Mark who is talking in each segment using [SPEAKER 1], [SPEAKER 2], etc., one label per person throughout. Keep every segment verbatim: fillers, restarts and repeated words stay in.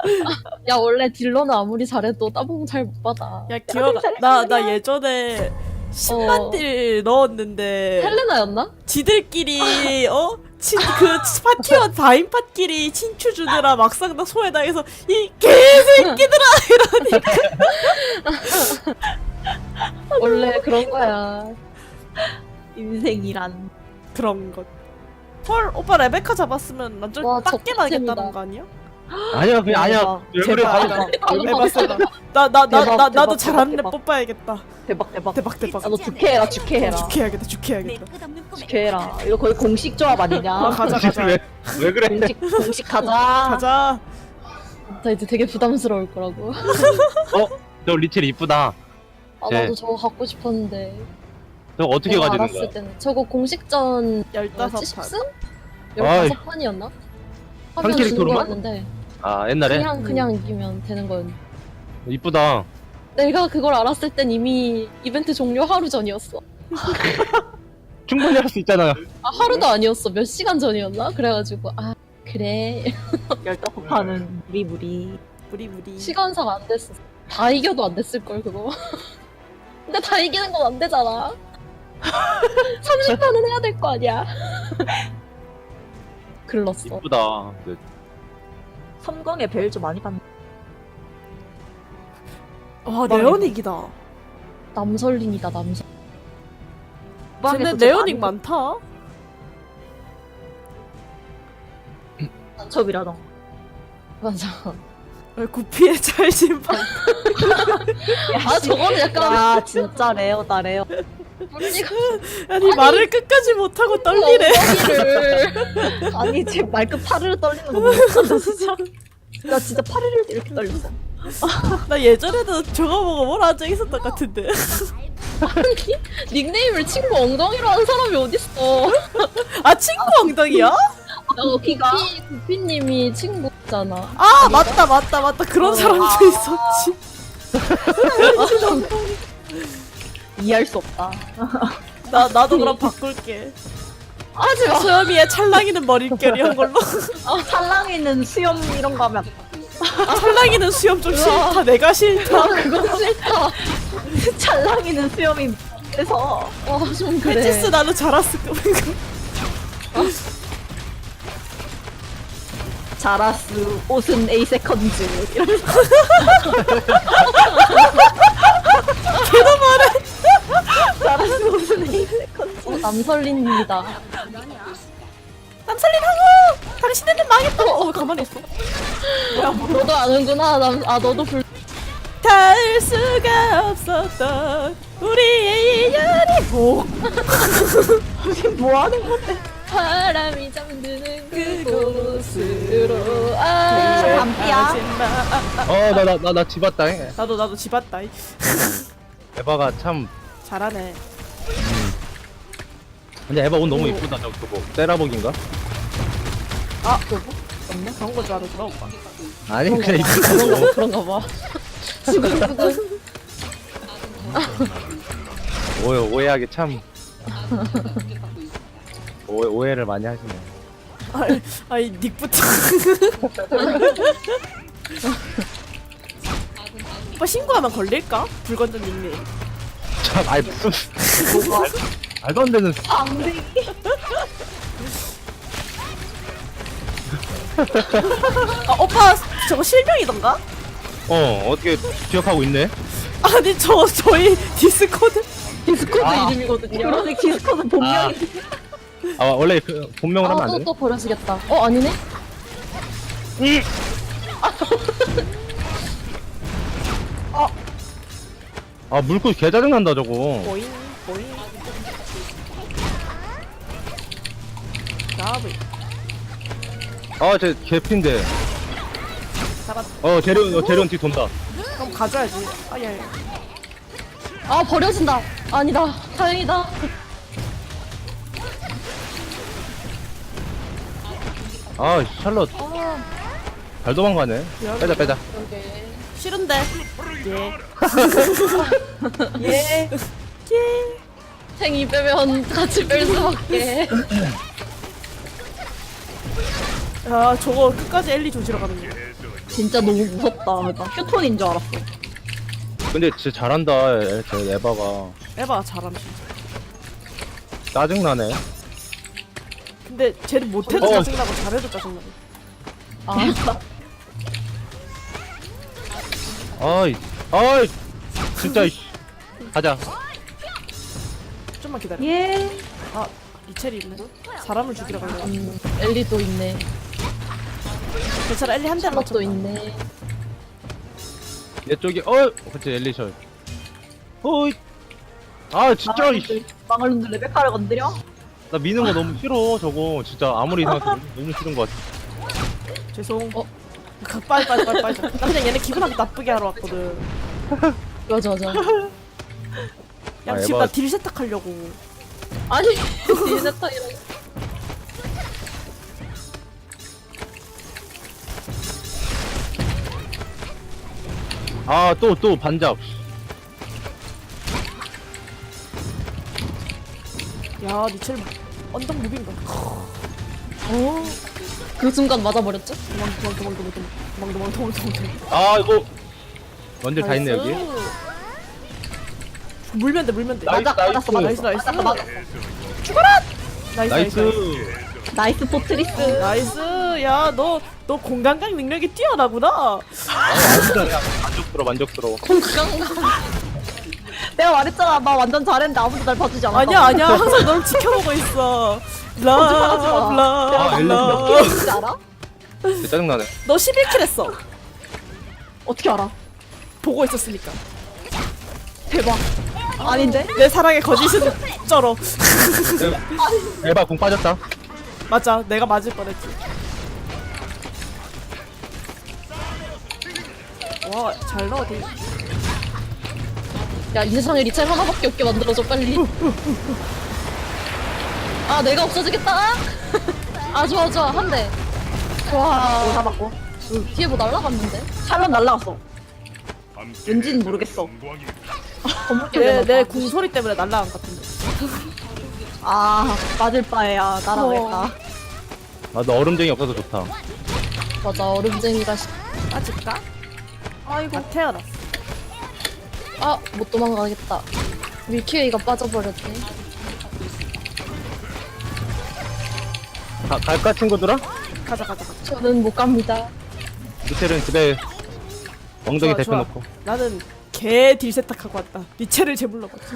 [SPEAKER 1] 야 원래 딜러는 아무리 잘해도 따봉 잘 못 받아.
[SPEAKER 2] 야 기억 나 나 예전에 십만
[SPEAKER 1] 어.
[SPEAKER 2] 딜 넣었는데
[SPEAKER 1] 헬레나였나?
[SPEAKER 2] 지들끼리 어? 친, 그 파티원 다인팟끼리 친추 주느라 막상 나 소외당해서 이 개새끼들아 이러니까
[SPEAKER 1] 원래 그런 거야.
[SPEAKER 3] 인생이란.
[SPEAKER 2] 그런 것. 헐 오빠 레베카 잡았으면 완전
[SPEAKER 1] 와,
[SPEAKER 2] 빡게
[SPEAKER 1] 적극적이다.
[SPEAKER 2] 나겠다는 거 아니야?
[SPEAKER 4] 아니야 그냥 아니야. 왜 그래?
[SPEAKER 2] 제발.
[SPEAKER 4] 아니다.
[SPEAKER 2] 에바스다. 나나 나
[SPEAKER 3] 대박,
[SPEAKER 2] 나 나도
[SPEAKER 3] 대박,
[SPEAKER 2] 잘하는 애
[SPEAKER 3] 대박.
[SPEAKER 2] 뽑아야겠다.
[SPEAKER 3] 대박 대박.
[SPEAKER 2] 대박 대박.
[SPEAKER 3] 아, 너 주캐해라 주캐해라.
[SPEAKER 2] 죽해야겠다 죽해야겠다.
[SPEAKER 3] 주캐해라. 이거 거의 공식 조합 아니냐?
[SPEAKER 2] 아 가자 가자.
[SPEAKER 4] 왜, 왜 그래?
[SPEAKER 3] 공식 공식 가자.
[SPEAKER 2] 가자.
[SPEAKER 1] 나 이제 되게 부담스러울 거라고.
[SPEAKER 4] 어? 저 리첼 이쁘다.
[SPEAKER 1] 아
[SPEAKER 4] 네.
[SPEAKER 1] 나도 저거 갖고 싶었는데.
[SPEAKER 4] 저거 어떻게
[SPEAKER 1] 내가
[SPEAKER 4] 가지는
[SPEAKER 1] 알았을
[SPEAKER 4] 거야?
[SPEAKER 1] 때는 저거 공식전
[SPEAKER 2] 열다섯
[SPEAKER 1] 십
[SPEAKER 2] 판.
[SPEAKER 1] 승?
[SPEAKER 4] 아이.
[SPEAKER 1] 열다섯 판이었나?
[SPEAKER 4] 한
[SPEAKER 1] 하면 주는
[SPEAKER 4] 캐릭터로만?
[SPEAKER 1] 거였는데
[SPEAKER 4] 아 옛날에?
[SPEAKER 1] 그냥 그냥 이기면 되는 거였는데.
[SPEAKER 4] 이쁘다.
[SPEAKER 1] 내가 그걸 알았을 땐 이미 이벤트 종료 하루 전이었어.
[SPEAKER 4] 충분히 할 수 있잖아.
[SPEAKER 1] 아 하루도 아니었어. 몇 시간 전이었나? 그래가지고 아 그래.
[SPEAKER 3] 열다섯 판은 무리 무리.
[SPEAKER 2] 무리 무리.
[SPEAKER 1] 시간상 안 됐어. 다 이겨도 안 됐을 걸 그거. 근데 다 이기는 건 안 되잖아. 삼십 판은 해야 될 거 아니야. 글렀어.
[SPEAKER 4] 이쁘다. 네.
[SPEAKER 3] 섬광에 벨 좀 많이 받는.
[SPEAKER 2] 와 네오닉이다.
[SPEAKER 1] 남설린이다 남설.
[SPEAKER 2] 근데 네오닉 많다.
[SPEAKER 3] 첩이라던.
[SPEAKER 1] 맞아.
[SPEAKER 2] 구피의 찰진판.
[SPEAKER 1] 아 저거는 약간
[SPEAKER 3] 야 진짜 레어다 레어.
[SPEAKER 1] 분리가
[SPEAKER 2] 아니 말을 끝까지 못하고 떨리래.
[SPEAKER 1] 엉덩이를.
[SPEAKER 3] 아니 지금 말끝 파르르 떨리는 거 보고 진짜. 나 진짜 파르르 이렇게 떨렸어.
[SPEAKER 2] 나 예전에도 저거 보고 뭐라 한 적 있었던 것 같은데.
[SPEAKER 1] 닉네임을 친구 엉덩이로 하는 사람이 어딨어.
[SPEAKER 2] 아 친구 엉덩이야?
[SPEAKER 1] 나 구피 구피님이 친구잖아.
[SPEAKER 2] 아 맞다 맞다 맞다 그런 사람도 있었지.
[SPEAKER 3] 이해할 수 없다.
[SPEAKER 2] 나 나도 그럼 바꿀게.
[SPEAKER 1] 하지 마.
[SPEAKER 2] 소염이의 찰랑이는 머릿결이 한 걸로.
[SPEAKER 3] 살랑이는 수염 이런 거 하면
[SPEAKER 2] 찰랑이는 수염 좀 싫다. 내가 싫다.
[SPEAKER 1] 그건 싫다.
[SPEAKER 3] 찰랑이는 수염이 그래서
[SPEAKER 1] 와좀 그래.
[SPEAKER 2] 패치스 나도 자랐을 거고.
[SPEAKER 3] 자라스 옷은 A 세컨즈 이러면서
[SPEAKER 2] 걔도 말해.
[SPEAKER 3] 자라스 옷은 A 세컨즈.
[SPEAKER 1] 어, 남설린입니다.
[SPEAKER 2] 남살린 하고 당신네는 망했다. 어 가만히 있어.
[SPEAKER 1] 너도 아는구나. 남, 아 너도 불.
[SPEAKER 2] 닿을 수가 없었던 우리의 인연이 오.
[SPEAKER 3] 뭐 하는 건데?
[SPEAKER 1] 바람이 잠드는 그곳으로. 아.
[SPEAKER 3] 밤비야.
[SPEAKER 4] 어나 나 나 나 집 왔다.
[SPEAKER 2] 나도 나도 집 왔다.
[SPEAKER 4] 에바가 참.
[SPEAKER 2] 잘하네.
[SPEAKER 4] 근데 에바 옷 너무 이쁘다. 저 그거 세라복인가?
[SPEAKER 2] 아 그거 없네. 그런 거 좋아하는구나 오빠.
[SPEAKER 4] 아니 그냥 이쁘다.
[SPEAKER 1] 그런가, 그런가 봐. 수근수근.
[SPEAKER 4] 오해 오해하기 참. 오해 오해를 많이 하시네.
[SPEAKER 2] 아이, 아이 닉부터. 오빠 신고하면 걸릴까? 불건전 닉네임.
[SPEAKER 4] 참 아이 무슨 말도 안 되는.
[SPEAKER 3] 방댕이.
[SPEAKER 2] 아 오빠 저거 실명이던가?
[SPEAKER 4] 어 어떻게 기억하고 있네?
[SPEAKER 2] 아니 저 저희 디스코드.
[SPEAKER 1] 디스코드
[SPEAKER 4] 아.
[SPEAKER 1] 이름이거든요.
[SPEAKER 3] 그러네 디스코드 본명이.
[SPEAKER 4] 아 원래 그 본명을 하면 안
[SPEAKER 1] 아,
[SPEAKER 4] 돼?
[SPEAKER 1] 또, 또 버려지겠다. 어, 아니네?
[SPEAKER 4] 아 물고 개 짜증 난다 저거.
[SPEAKER 2] 보잉 보잉. 나비.
[SPEAKER 4] 아쟤 개핀데.
[SPEAKER 2] 잡았다.
[SPEAKER 4] 어 재련 어, 재련 뒤 돈다.
[SPEAKER 2] 그럼 가져야지. 아야.
[SPEAKER 1] 아, 버려진다. 아니다. 다행이다.
[SPEAKER 4] 아 샬롯
[SPEAKER 1] 아,
[SPEAKER 4] 잘 도망가네. 빼자 빼자.
[SPEAKER 1] 그러게.
[SPEAKER 2] 싫은데. 예.
[SPEAKER 3] 예.
[SPEAKER 2] 예.
[SPEAKER 1] 생이 빼면 같이 뺄 수밖에.
[SPEAKER 2] 아 저거 끝까지 엘리 조지러 가는 거.
[SPEAKER 3] 진짜 너무 무섭다. 나 휴톤인 줄 알았어.
[SPEAKER 4] 근데 진짜 잘한다 애- 저 에바가.
[SPEAKER 2] 에바 잘함 진짜.
[SPEAKER 4] 짜증나네.
[SPEAKER 2] 근데 쟤는 못해도
[SPEAKER 4] 어.
[SPEAKER 2] 짜증나고 잘해도 짜증나고.
[SPEAKER 1] 아,
[SPEAKER 4] 아이 아이 진짜 이씨. 가자.
[SPEAKER 2] 좀만 기다려.
[SPEAKER 3] 예.
[SPEAKER 2] 아 이첼이 있네. 사람을 죽이러 가려고.
[SPEAKER 1] 음, 엘리도 있네.
[SPEAKER 2] 괜찮아 엘리 한 대만
[SPEAKER 1] 샬럿도
[SPEAKER 2] 맞췄다.
[SPEAKER 1] 있네.
[SPEAKER 4] 내 쪽에 어 그치 엘리셔. 어이. 아 진짜 이씨.
[SPEAKER 3] 망할 놈들 레베카를 건드려?
[SPEAKER 4] 나 미는 거 너무 싫어 저거 진짜 아무리 생각해도 너무 싫은 것 같아.
[SPEAKER 2] 죄송.
[SPEAKER 1] 어?
[SPEAKER 2] 가- 빨리 빨리 빨리 빨리. 나 그냥 얘네 기분 나쁘게 하러 왔거든.
[SPEAKER 1] 맞아, 맞아.
[SPEAKER 2] 야
[SPEAKER 4] 아,
[SPEAKER 2] 지금
[SPEAKER 4] 에바.
[SPEAKER 2] 나 딜 세탁하려고.
[SPEAKER 1] 아니, 디네타이랑.
[SPEAKER 4] 아 또 또 반잡.
[SPEAKER 2] 야 니첼 언덕 무빙가.
[SPEAKER 1] 어, 그 순간 맞아버렸죠?
[SPEAKER 2] 도망 도망 도망 도망 도망 도망 도망 도망 도망.
[SPEAKER 4] 아 이거 원딜 다 있네 여기.
[SPEAKER 2] 나이스. 물면 돼 물면 돼.
[SPEAKER 4] 나이스,
[SPEAKER 2] 맞아,
[SPEAKER 4] 나이스.
[SPEAKER 2] 맞았어, 나이스 나이스.
[SPEAKER 3] 맞았어, 맞았어.
[SPEAKER 2] 나이스
[SPEAKER 4] 나이스.
[SPEAKER 2] 나이스.
[SPEAKER 3] 나이스 포트리스.
[SPEAKER 2] 나이스. 야 너 너 공간각 능력이 뛰어나구나.
[SPEAKER 4] 아 완전 그냥 만족스러워 만족스러워.
[SPEAKER 1] 건강.
[SPEAKER 3] 내가 말했잖아. 나 완전 잘했는데 아무도 날 봐주지 않았다.
[SPEAKER 2] 아니야 아니야 항상 널 지켜보고 있어.
[SPEAKER 3] 거짓말하지 마.
[SPEAKER 2] 라라
[SPEAKER 4] 아, 엘리
[SPEAKER 2] 라.
[SPEAKER 3] 진짜 알아?
[SPEAKER 4] 진짜 짜증나네.
[SPEAKER 2] 너 십일 킬 했어.
[SPEAKER 3] 어떻게 알아?
[SPEAKER 2] 보고 있었으니까.
[SPEAKER 3] 대박. 아닌데?
[SPEAKER 2] 내 사랑의 거짓은 쩔어.
[SPEAKER 4] 에바 공 빠졌다.
[SPEAKER 2] 맞아 내가 맞을 뻔했지. 와 잘 넣어 딜.
[SPEAKER 1] 야, 이 세상에 리첼 하나밖에 없게 만들어줘, 빨리. 아, 내가 없어지겠다. 아, 좋아, 좋아. 한 대. 와,
[SPEAKER 3] 오, 잡았고.
[SPEAKER 1] 뒤에 뭐 날라갔는데?
[SPEAKER 3] 샬롯 날라갔어. 왠지는 모르겠어. 건물길
[SPEAKER 2] 내
[SPEAKER 3] 내놔.
[SPEAKER 2] 내 궁소리 때문에 날라간 것 같은데.
[SPEAKER 3] 아, 맞을 바에야 따라오겠다.
[SPEAKER 1] 어.
[SPEAKER 4] 아너 얼음쟁이 없어서 좋다.
[SPEAKER 1] 맞아, 얼음쟁이가. 시...
[SPEAKER 2] 빠질까?
[SPEAKER 3] 아이고.
[SPEAKER 2] 아 태어났어.
[SPEAKER 1] 아, 못 도망가겠다. 밀키웨이가 빠져버렸네.
[SPEAKER 4] 가, 갈까 친구들아?
[SPEAKER 2] 가자 가자 가자.
[SPEAKER 1] 저는 못 갑니다.
[SPEAKER 4] 미첼은 집에 엉덩이
[SPEAKER 2] 좋아, 좋아.
[SPEAKER 4] 대표놓고.
[SPEAKER 2] 나는 개 딜 세탁하고 왔다. 니체를 제물러봤지.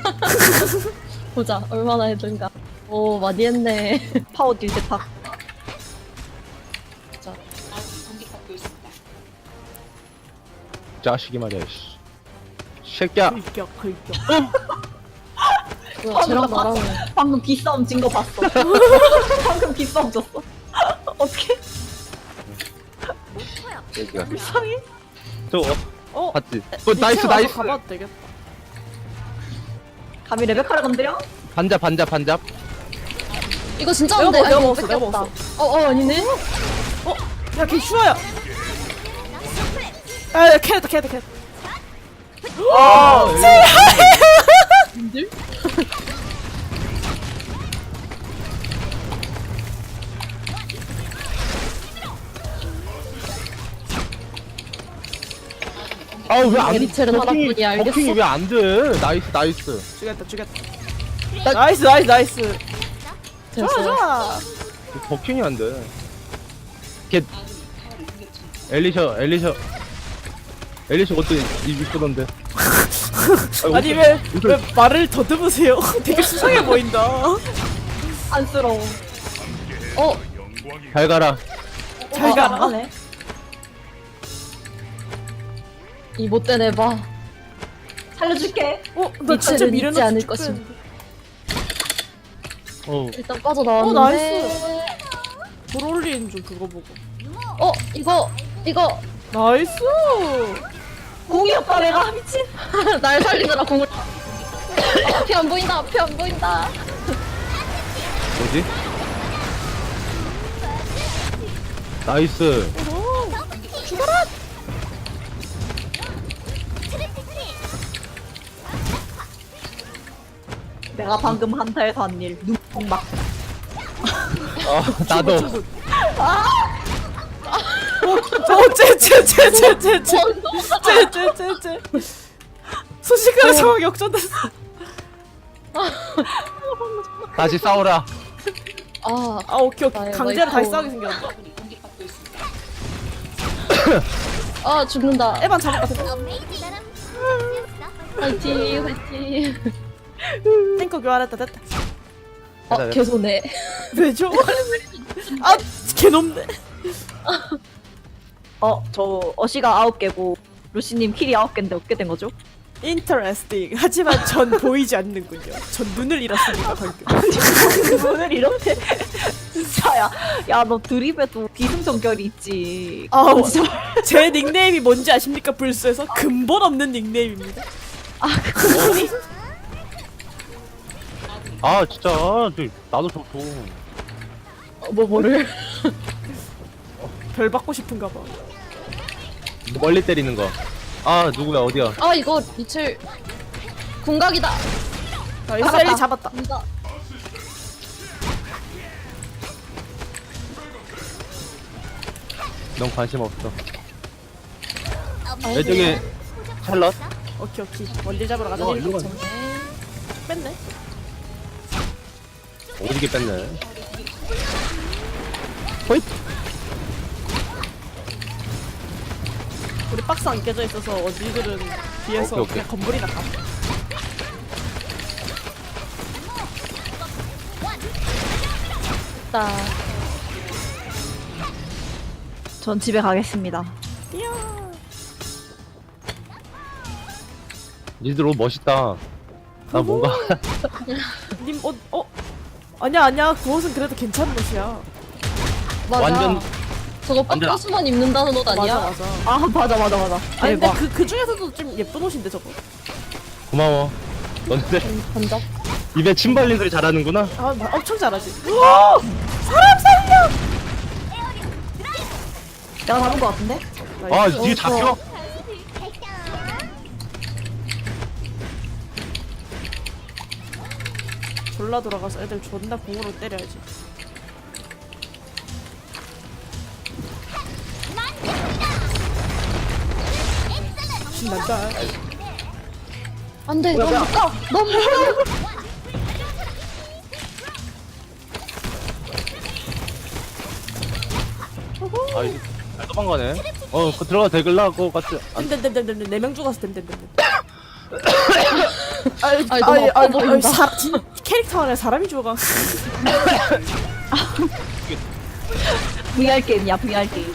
[SPEAKER 1] 보자, 얼마나 했던가. 오, 많이 했네.
[SPEAKER 3] 파워 딜 세탁.
[SPEAKER 1] 자,
[SPEAKER 4] 자식이 말이야 씨. 새끼야.
[SPEAKER 2] 긁격 긁격.
[SPEAKER 1] 뭐야, 쟤랑 나랑.
[SPEAKER 3] 방금 기싸움 진 거 봤어. 방금 기싸움 졌어. 어떻게?
[SPEAKER 4] 새끼야.
[SPEAKER 3] 이상해.
[SPEAKER 4] 저거 어,
[SPEAKER 2] 어?
[SPEAKER 4] 봤지? 어 나이스
[SPEAKER 2] 니체 와서
[SPEAKER 4] 나이스.
[SPEAKER 2] 가봐도 되겠다.
[SPEAKER 3] 감히 레베카를 건드려?
[SPEAKER 4] 반잡 반잡 반잡.
[SPEAKER 1] 이거 진짜
[SPEAKER 2] 내가
[SPEAKER 1] 안 돼.
[SPEAKER 2] 먹- 내가
[SPEAKER 1] 아이고,
[SPEAKER 2] 먹었어, 내가
[SPEAKER 1] 뺏겼다.
[SPEAKER 2] 먹었어.
[SPEAKER 1] 어, 어, 아니네.
[SPEAKER 2] 야걔 슈아야. 아 캐냈다 캐냈다 캐냈다.
[SPEAKER 4] 아,
[SPEAKER 1] 님들?
[SPEAKER 4] 아왜안
[SPEAKER 1] 리첼은 하나뿐이야, 알겠어?
[SPEAKER 4] 버킹이 왜 안 돼? 나이스 나이스.
[SPEAKER 2] 죽였다 죽였다. 나이스 나이스 나이스. 좋아
[SPEAKER 1] 됐어요.
[SPEAKER 2] 좋아.
[SPEAKER 4] 버킹이 안 돼. 걔 엘리셔 엘리셔 엘리셔 것도 이쁘던데.
[SPEAKER 2] 아니 왜 왜 말을 더듬으세요? 되게 수상해 보인다.
[SPEAKER 3] 안쓰러워.
[SPEAKER 1] 어,
[SPEAKER 4] 잘 가라.
[SPEAKER 2] 잘
[SPEAKER 3] 안
[SPEAKER 2] 가라.
[SPEAKER 3] 가네.
[SPEAKER 1] 이 못된 에바.
[SPEAKER 3] 살려줄게.
[SPEAKER 2] 어? 나 진짜
[SPEAKER 1] 니체를
[SPEAKER 2] 미련없이
[SPEAKER 1] 잊지 않을
[SPEAKER 2] 축구했는데.
[SPEAKER 4] 어
[SPEAKER 1] 일단
[SPEAKER 2] 어,
[SPEAKER 1] 빠져나왔는데.
[SPEAKER 2] 돌 올리는 중 그거 보고.
[SPEAKER 1] 어, 이거, 이거.
[SPEAKER 2] 나이스.
[SPEAKER 3] 공이 오빠 내가 미친.
[SPEAKER 1] 날 살리느라 공을. 앞이 안 보인다, 앞이 안 보인다.
[SPEAKER 4] 뭐지? 나이스.
[SPEAKER 3] 내가 방금 한타에서 한 일. 눈뽕 막.
[SPEAKER 4] 아 나도.
[SPEAKER 2] 친구. 어째째째째째째째째째 순식간에 상황이 역전됐어.
[SPEAKER 4] 다시 싸워라.
[SPEAKER 1] 아,
[SPEAKER 2] 아 오케이 오케이
[SPEAKER 1] 나의
[SPEAKER 2] 강제로 다시
[SPEAKER 1] 와이프.
[SPEAKER 2] 싸우게 생겼다.
[SPEAKER 1] 아 죽는다.
[SPEAKER 2] 에반 잡을 것 같아.
[SPEAKER 1] 화이팅, 화이팅.
[SPEAKER 2] 탱커 교환했다 됐다.
[SPEAKER 1] 아, 개소네.
[SPEAKER 2] 왜죠? 아 개놈네.
[SPEAKER 3] 어, 저 어시가 아홉 개고 루시님 킬이 아홉 개인데 어떻게 된 거죠?
[SPEAKER 2] 인터레스팅. 하지만 전 보이지 않는군요. 전 눈을 잃었습니다 방금.
[SPEAKER 3] 오늘 이렇게 진짜야. 야, 너 드립에도 비승전결이 있지.
[SPEAKER 2] 아,
[SPEAKER 3] 그건 진짜
[SPEAKER 2] 제 닉네임이 뭔지 아십니까? 불스에서 근본 없는 닉네임입니다.
[SPEAKER 4] 아 진짜 저, 나도 저 줘.
[SPEAKER 1] 어, 뭐 뭐를?
[SPEAKER 2] 별 받고 싶은가 봐.
[SPEAKER 4] 멀리 때리는 거. 아 누구야 어디야?
[SPEAKER 1] 아 이거 리첼 궁각이다.
[SPEAKER 2] 자, 이 셀리 잡았다.
[SPEAKER 1] 궁각.
[SPEAKER 4] 넌 관심 없어.
[SPEAKER 1] 아,
[SPEAKER 4] 왼쪽에 찰럿.
[SPEAKER 2] 오케이 오케이. 원딜 잡으러 가자.
[SPEAKER 4] 어, 이거
[SPEAKER 2] 뺐네.
[SPEAKER 4] 오지게 뺐네. 호잇.
[SPEAKER 2] 우리 박스 안 깨져 있어서 어디들은 뒤에서
[SPEAKER 4] 오케이, 오케이.
[SPEAKER 2] 그냥 건물이나 가.
[SPEAKER 1] 나
[SPEAKER 3] 전 집에 가겠습니다.
[SPEAKER 2] 이야.
[SPEAKER 4] 니들 옷 멋있다. 나 뭔가
[SPEAKER 2] 님 옷 어? 아니야 아니야 그 옷은 그래도 괜찮은 옷이야.
[SPEAKER 1] 맞아.
[SPEAKER 4] 완전
[SPEAKER 1] 저거
[SPEAKER 4] 완전
[SPEAKER 1] 빡가수만 입는다는 옷 아니야?
[SPEAKER 2] 맞아 맞아.
[SPEAKER 3] 아, 맞아, 맞아, 맞아.
[SPEAKER 2] 아니 근데
[SPEAKER 3] 대박.
[SPEAKER 2] 그, 그 중에서도 좀 예쁜 옷인데 저거.
[SPEAKER 4] 고마워. 너네들
[SPEAKER 1] 반작.
[SPEAKER 4] 입에 침 발린 소리 잘하는구나.
[SPEAKER 2] 아 마- 엄청 잘하지. 우와! 사람 살려!
[SPEAKER 3] 내가 잡은 거 같은데?
[SPEAKER 4] 아 뒤에 잡혀?
[SPEAKER 2] 졸라 돌아가서 애들 존나 공으로 때려야지. 신난다.
[SPEAKER 1] 안돼. 너무 못 가. 너무 못 가.
[SPEAKER 4] 아 이거 잘 도망가네. 어 그 들어가 대글라고 같이. 안
[SPEAKER 2] 댐댐댐댐댐 네명 죽었어 댐댐댐. 아이
[SPEAKER 1] 아이, 너무 아파 보인다.
[SPEAKER 2] 사, 진, 캐릭터 안에 사람이 죽어가.
[SPEAKER 3] 브이알 게임이야, 브이알 게임.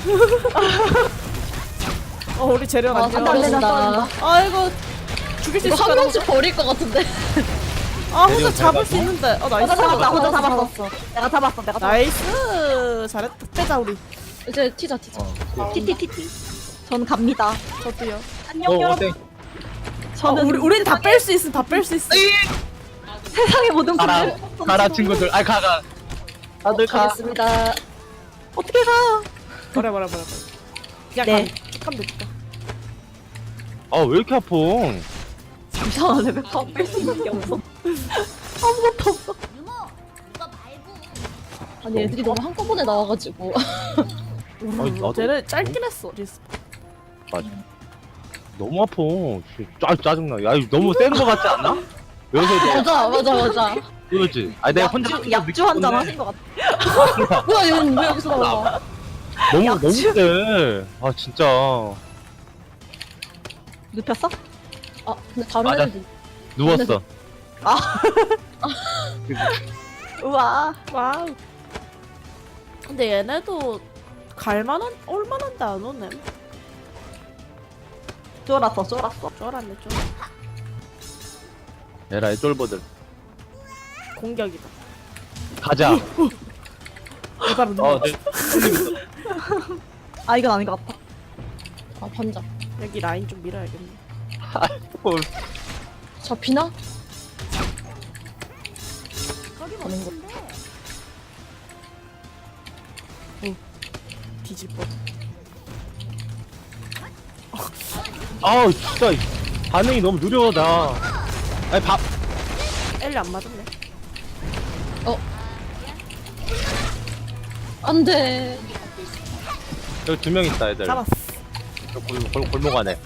[SPEAKER 2] 어 우리 재련
[SPEAKER 1] 아,
[SPEAKER 2] 안
[SPEAKER 1] 안 떨어진다.
[SPEAKER 2] 좋아. 아이고 죽일 수
[SPEAKER 1] 이거
[SPEAKER 2] 있을
[SPEAKER 1] 한
[SPEAKER 2] 거라.
[SPEAKER 1] 명씩 버릴 것 같은데.
[SPEAKER 2] 아 혼자
[SPEAKER 4] 재련
[SPEAKER 2] 잡을
[SPEAKER 4] 잘
[SPEAKER 2] 수 있는데. 어 나이스.
[SPEAKER 3] 혼자 잡았다, 혼자
[SPEAKER 1] 잡았어,
[SPEAKER 3] 잡았어. 내가 잡았어, 내가 잡았어.
[SPEAKER 2] 나이스. 잘했다. 빼자 우리.
[SPEAKER 1] 이제 튀자 튀자.
[SPEAKER 4] 어.
[SPEAKER 3] 티티티티. 전 갑니다.
[SPEAKER 2] 저도요.
[SPEAKER 3] 안녕,
[SPEAKER 4] 어
[SPEAKER 3] 여러분.
[SPEAKER 4] 어때?
[SPEAKER 2] 어,
[SPEAKER 3] 저는
[SPEAKER 2] 우리 우린 다 뺄 수 있음. 다 뺄 수 있어.
[SPEAKER 3] 세상의 모든
[SPEAKER 4] 가라
[SPEAKER 3] 분들
[SPEAKER 4] 가라 친구들. 아이 가가. 다들 가.
[SPEAKER 1] 가겠습니다.
[SPEAKER 3] 어떻게 가?
[SPEAKER 2] 뭐라 뭐라 뭐라. 그냥
[SPEAKER 3] 네.
[SPEAKER 2] 가. 쭉 가면 되니까.
[SPEAKER 4] 아 왜 이렇게 아파?
[SPEAKER 3] 이상하네, 왜뺄수 있는 게 없어. 아무것도 없어.
[SPEAKER 1] 아니 애들이 너무 한꺼번에 나와가지고.
[SPEAKER 4] 아니, 나도-
[SPEAKER 2] 쟤는 짧긴 했어. 리스.
[SPEAKER 4] 맞아. 너무 아파. 짜 짜증나. 야 이거 너무 센 거 같지 않나? 여기서
[SPEAKER 1] 맞아 맞아 맞아.
[SPEAKER 4] 그렇지. 아니 내가 혼자
[SPEAKER 3] 약주, 약주 한 잔 하신 것 같아.
[SPEAKER 1] 뭐야 얘는 왜 여기서 나와?
[SPEAKER 4] 너무
[SPEAKER 3] 약주.
[SPEAKER 4] 너무 세. 아 진짜.
[SPEAKER 3] 눕혔어?
[SPEAKER 1] 아 근데 다른
[SPEAKER 4] 맞아.
[SPEAKER 1] 애들
[SPEAKER 4] 누웠어.
[SPEAKER 3] 우와.
[SPEAKER 2] 와우. 근데 얘네도 갈만한 올만한데 안 오네.
[SPEAKER 3] 쫄았어, 쫄았어.
[SPEAKER 2] 쫄았네 쫄.
[SPEAKER 4] 에라이 쫄보들.
[SPEAKER 2] 공격이다.
[SPEAKER 4] 가자.
[SPEAKER 2] 이발은
[SPEAKER 4] 어, 네.
[SPEAKER 3] 아, 이건 아닌 것 같아.
[SPEAKER 1] 아 반작.
[SPEAKER 2] 여기 라인 좀 밀어야겠네.
[SPEAKER 4] 어,
[SPEAKER 1] 잡히나? 가는 거.
[SPEAKER 2] 뒤질 뻔.
[SPEAKER 4] 아우 진짜 반응이 너무 느려 나. 아니 밥.
[SPEAKER 2] 엘리 안 맞았네.
[SPEAKER 1] 안돼.
[SPEAKER 4] 여기 두 명 있다 애들.
[SPEAKER 2] 잡았어.
[SPEAKER 4] 저 골, 골, 골목 안에.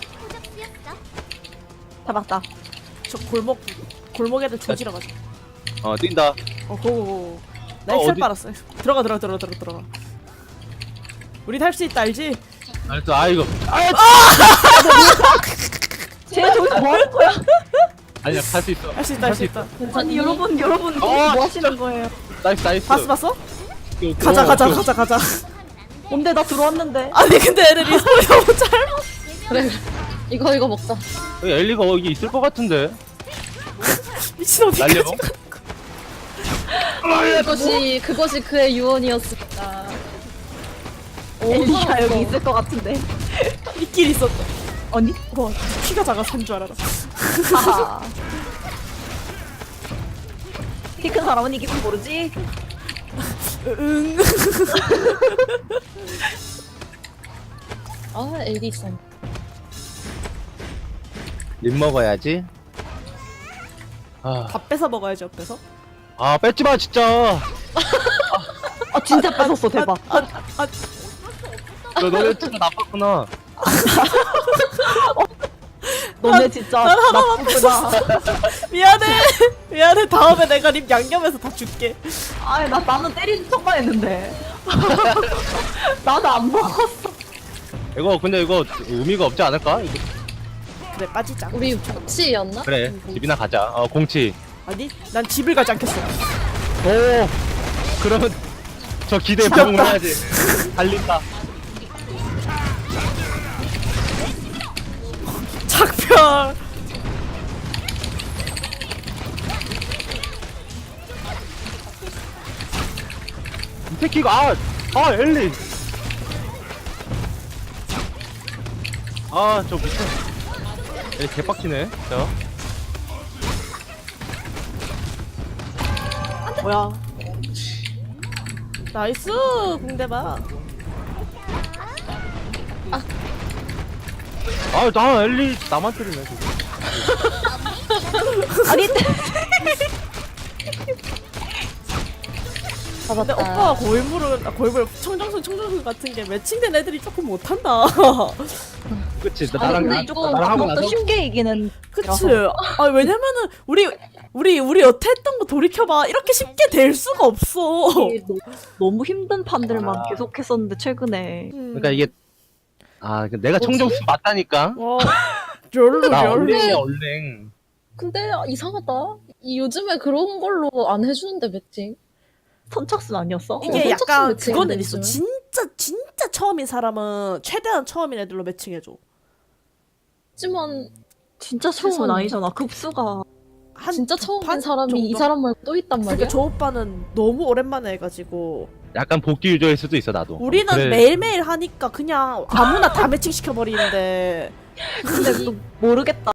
[SPEAKER 3] 잡았다.
[SPEAKER 2] 저 골목 골목 애들 조지러 가자.
[SPEAKER 4] 어 뛴다.
[SPEAKER 2] 어 고고고. 나
[SPEAKER 4] 어,
[SPEAKER 2] 엑셀
[SPEAKER 4] 어디-
[SPEAKER 2] 빨았어. 들어가 들어가 들어가 들어가 들어가. 우리 할 수 있다 알지?
[SPEAKER 4] 알았어. 아 이거. 아
[SPEAKER 3] 쟤 저기서 뭐 하는 거야?
[SPEAKER 4] 아니야 할 수 있어.
[SPEAKER 2] 할 수 있다 할 수 있다.
[SPEAKER 3] 아니 여러분 여러분 뭐
[SPEAKER 4] 어,
[SPEAKER 3] 하시는 거예요?
[SPEAKER 4] 나이스 나이스.
[SPEAKER 2] 봤어 봤어?
[SPEAKER 4] 오케이, 오케이.
[SPEAKER 2] 가자
[SPEAKER 4] 어,
[SPEAKER 2] 가자
[SPEAKER 4] 오케이.
[SPEAKER 2] 가자 가자.
[SPEAKER 3] 뭔데 나 들어왔는데.
[SPEAKER 2] 아니 근데 애들이 소리 너무 짧아.
[SPEAKER 1] 그래 이거 이거 먹자.
[SPEAKER 4] 여기 엘리가 여기 있을 것 같은데.
[SPEAKER 2] 미친 어디까지
[SPEAKER 4] 날려?
[SPEAKER 2] 가?
[SPEAKER 1] 그것이 그것이 그의 유언이었습니다.
[SPEAKER 3] 엘리가 여기 있을 것 같은데.
[SPEAKER 2] 이끼리 있었다.
[SPEAKER 3] 언니?
[SPEAKER 2] 와 키가 작아서 산 줄 알아라.
[SPEAKER 3] 하하. 키 큰 사람은 이기면 모르지.
[SPEAKER 2] 응.
[SPEAKER 1] 아 엘리 있어.
[SPEAKER 4] 립 먹어야지. 아,
[SPEAKER 2] 다 뺏어 먹어야지 옆에서.
[SPEAKER 4] 아 뺏지 마 진짜.
[SPEAKER 3] 아 진짜 뺏었어 대박.
[SPEAKER 2] 아, 아
[SPEAKER 4] 너 너네 진짜 나빴구나.
[SPEAKER 3] 너네 진짜
[SPEAKER 2] 난 하나만
[SPEAKER 3] 나쁘구나.
[SPEAKER 2] 미안해. 미안해. 다음에 내가 립 양념해서 다 줄게.
[SPEAKER 3] 아니 나 나는 때리는 척만 했는데. 나도 안 먹었어.
[SPEAKER 4] 이거 근데 이거 의미가 없지 않을까? 이거.
[SPEAKER 2] 그래 빠지자.
[SPEAKER 1] 우리 복치였나?
[SPEAKER 4] 그래 집이나 가자. 어 공치.
[SPEAKER 2] 아니 난 집을 가지 않겠어.
[SPEAKER 4] 오. 그러면 저 기대에
[SPEAKER 2] 잡았다.
[SPEAKER 4] 부응을 해야지. 달린다.
[SPEAKER 2] 작별.
[SPEAKER 4] 이 새끼가 아, 아 엘리. 아 저 미친. 엘리 개빡치네. 자.
[SPEAKER 3] 뭐야?
[SPEAKER 2] 나이스 궁대봐.
[SPEAKER 4] 아 나 엘리 나만 때리네. 지금.
[SPEAKER 3] 아니
[SPEAKER 2] 근데
[SPEAKER 1] 잡았다.
[SPEAKER 2] 오빠가 고인물은 아, 고인물 청정순 청정순 같은 게 매칭된 애들이 조금 못한다.
[SPEAKER 4] 그치 나
[SPEAKER 1] 아니,
[SPEAKER 4] 나랑
[SPEAKER 1] 근데
[SPEAKER 4] 나,
[SPEAKER 1] 이거
[SPEAKER 4] 나랑 하고 나서
[SPEAKER 3] 더 쉽게 이기는.
[SPEAKER 2] 그치? 아 왜냐면은 우리 우리 우리 여태 했던 거 돌이켜봐 이렇게 쉽게 될 수가 없어.
[SPEAKER 3] 이게 너- 너무 힘든 판들만
[SPEAKER 4] 아.
[SPEAKER 3] 계속했었는데 최근에.
[SPEAKER 2] 음.
[SPEAKER 4] 그러니까 이게 아 내가
[SPEAKER 1] 뭐지?
[SPEAKER 4] 청정수 맞다니까.
[SPEAKER 2] 어, 별로
[SPEAKER 4] 나
[SPEAKER 2] 별로.
[SPEAKER 4] 얼랭이야 얼랭.
[SPEAKER 1] 근데 이상하다. 이 요즘에 그런 걸로 안 해주는데 매칭.
[SPEAKER 3] 선착순 아니었어?
[SPEAKER 2] 이게
[SPEAKER 1] 어,
[SPEAKER 2] 약간
[SPEAKER 1] 선착순
[SPEAKER 2] 그거는
[SPEAKER 1] 매칭인데,
[SPEAKER 2] 있어.
[SPEAKER 1] 요즘은?
[SPEAKER 2] 진짜 진짜 처음인 사람은 최대한 처음인 애들로 매칭해줘.
[SPEAKER 1] 하지만
[SPEAKER 3] 진짜 처음은
[SPEAKER 1] 세상에.
[SPEAKER 3] 아니잖아. 급수가.
[SPEAKER 2] 한
[SPEAKER 1] 진짜
[SPEAKER 2] 두
[SPEAKER 1] 처음인
[SPEAKER 2] 판
[SPEAKER 1] 사람이 이
[SPEAKER 2] 정도?
[SPEAKER 1] 사람 말고 또 있단
[SPEAKER 2] 그러니까
[SPEAKER 1] 말이야.
[SPEAKER 2] 저 오빠는 너무 오랜만에 해가지고
[SPEAKER 4] 약간 복귀 유저일 수도 있어 나도.
[SPEAKER 2] 우리는
[SPEAKER 4] 그래.
[SPEAKER 2] 매일매일 하니까 그냥 아무나 다 매칭 시켜버리는데
[SPEAKER 3] 근데 또 모르겠다.